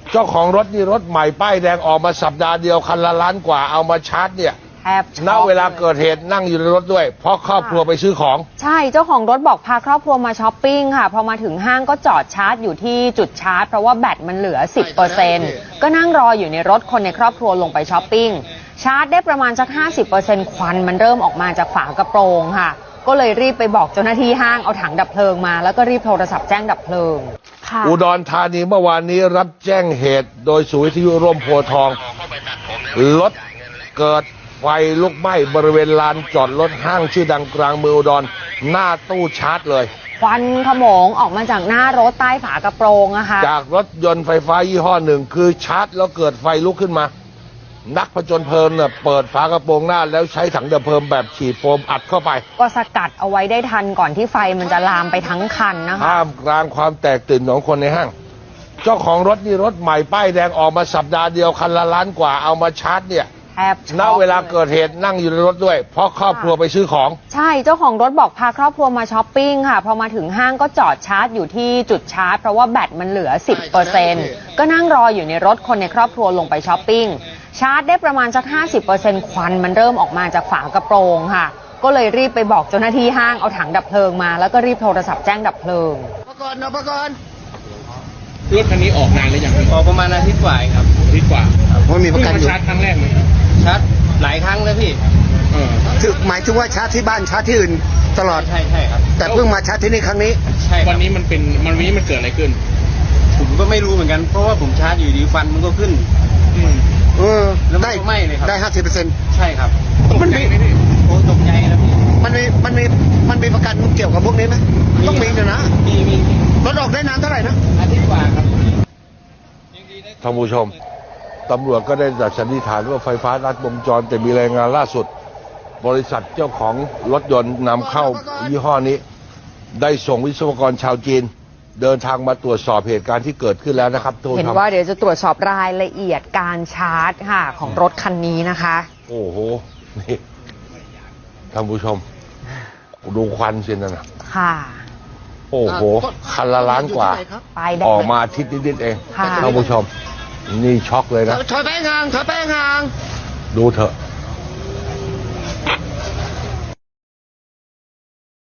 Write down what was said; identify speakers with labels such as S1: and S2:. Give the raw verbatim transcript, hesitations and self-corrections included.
S1: เจ้าของรถนี่รถใหม่ป้ายแดงออกมาสัปดาห์เดียวคันละล้านกว่าเอามาชาร์จเนี่ย
S2: แทบ
S1: ณเวลาเกิดเหตุนั่งอยู่ในรถด้วยเพราะครอบครัวไปซื้อของ
S2: ใช่เจ้าของรถบอกพาครอบครัวมาช้อปปิ้งค่ะพอมาถึงห้างก็จอดชาร์จอยู่ที่จุดชาร์จเพราะว่าแบตมันเหลือ สิบเปอร์เซ็นต์ ก็นั่งรออยู่ในรถคนในครอบครัวลงไปช้อปปิ้งชาร์จได้ประมาณสัก ห้าสิบเปอร์เซ็นต์ ควันมันเริ่มออกมาจากฝากระโปรงค่ะก็เลยรีบไปบอกเจ้าหน้าที่ห้างเอาถังดับเพลิงมาแล้วก็รีบโทรศัพท์แจ้งดับเพลิง
S1: อุดรธานีเมื่อวานนี้รับแจ้งเหตุโดยศูนย์วิทยุร่มโพธิ์ทองรถเกิดไฟลุกไหม้บริเวณลานจอดรถห้างชื่อดังกลางเมืองอุดรหน้าตู้ชาร์จเลย
S2: ควันขโมงออกมาจากหน้ารถใต้ฝากระโปรงอะค่ะ
S1: จากรถยนต์ไฟฟ้ายี่ห้อหนึ่งคือชาร์จแล้วเกิดไฟลุกขึ้นมานักผจญเพลิงเนี่ยเปิดฝากระโปรงหน้าแล้วใช้ถังดับเพลิงแบบฉีดโฟมอัดเข้าไป
S2: ก็สกัดเอาไว้ได้ทันก่อนที่ไฟมันจะลามไปทั้งคันนะคะ
S1: ท่ามกลางความแตกตื่นของคนในห้างเจ้าของรถนี่รถใหม่ป้ายแดงออกมาสัปดาห์เดียวคันละล้านกว่าเอามาชาร์จเนี่ยณเวลาเกิดเหตุนั่งอยู่ในรถด้วยเพราะครอบครัวไปซื้อของ
S2: ใช่เจ้าของรถบอกพาครอบครัวมาช้อปปิ้งค่ะพอมาถึงห้างก็จอดชาร์จอยู่ที่จุดชาร์จเพราะว่าแบตมันเหลือ สิบเปอร์เซ็นต์ ก็นั่งรออยู่ในรถคนในครอบครัวลงไปช้อปปิ้งชาร์จได้ประมาณสัก ห้าสิบเปอร์เซ็นต์ ควันมันเริ่มออกมาจากฝากระโปรงค่ะก็เลยรีบไปบอกเจ้าหน้าที่ห้างเอาถังดับเพลิงมาแล้วก็รีบโทรศัพท์แจ้งดับเพลิง
S3: ปก่อนนะปก่อน
S4: รถคันนี้ออกนานหรือยัง
S3: ออกประมาณอาทิตย์กว่าครับ
S4: อาทิตย์กว่า
S3: เพราะมีประกันอยู่
S4: ชาร์จครั้งแรกไหม
S3: ชาร์จหลายครั้งแล้วพี่
S4: เออ
S3: หมายถึงว่าชาร์จที่บ้านชาร์จที่อื่นตลอด
S4: ใช่ใช่ครับ
S3: แต่เพิ่งมาชาร์จที่นี่ครั้งนี้
S4: ใช่วันนี้มันเป็นมันวันนี้มันเกิดอะไรขึ้น
S3: ผมก็ไม่รู้เหมือนกันเพราะว่าผมชาร์จอยู่ดีฟันมันก็ขึ้นเออได้
S4: ไม่เลยครับ
S3: ได้ห้าสิบเปอร์เซ็นต์
S4: ใช่ครับ
S3: มันมี
S4: โอ้ตกใจแล้วพี่
S3: มันมีมันมีมันมีประกันเกี่ยวกับพวกนี้ไหมต้องมีอยู่นะ
S4: มีมี
S3: รถออกได้นานเท่าไหร่นะ
S4: อาทิตย์กว่าครับ
S1: ท่านผู้ชมตำรวจก็ได้จัดสันนิษฐานว่าไฟฟ้ารัดวงจรแต่มีรายงานล่าสุดบริษัทเจ้าของรถยนต์นำเข้ายี่ห้อนี้ได้ส่งวิศวกรชาวจีนเดินทางมาตรวจสอบเหตุการณ์ที่เกิดขึ้นแล้วนะครับ
S2: เห็นว่าเดี๋ยวจะตรวจสอบรายละเอียดการชาร์จค่ะของรถคันนี้นะคะ
S1: โอ้โหนี่ท่านผู้ชมดูควันสินะ
S2: ค่ะ
S1: โอ้โหคันละล้านกว่าออกมาอาทิตย์นิดๆเองท่านผู้ชมนี่ช็อกเลยนะ
S3: ถอยไปห่างถอยไปห่าง
S1: ดูเถอะ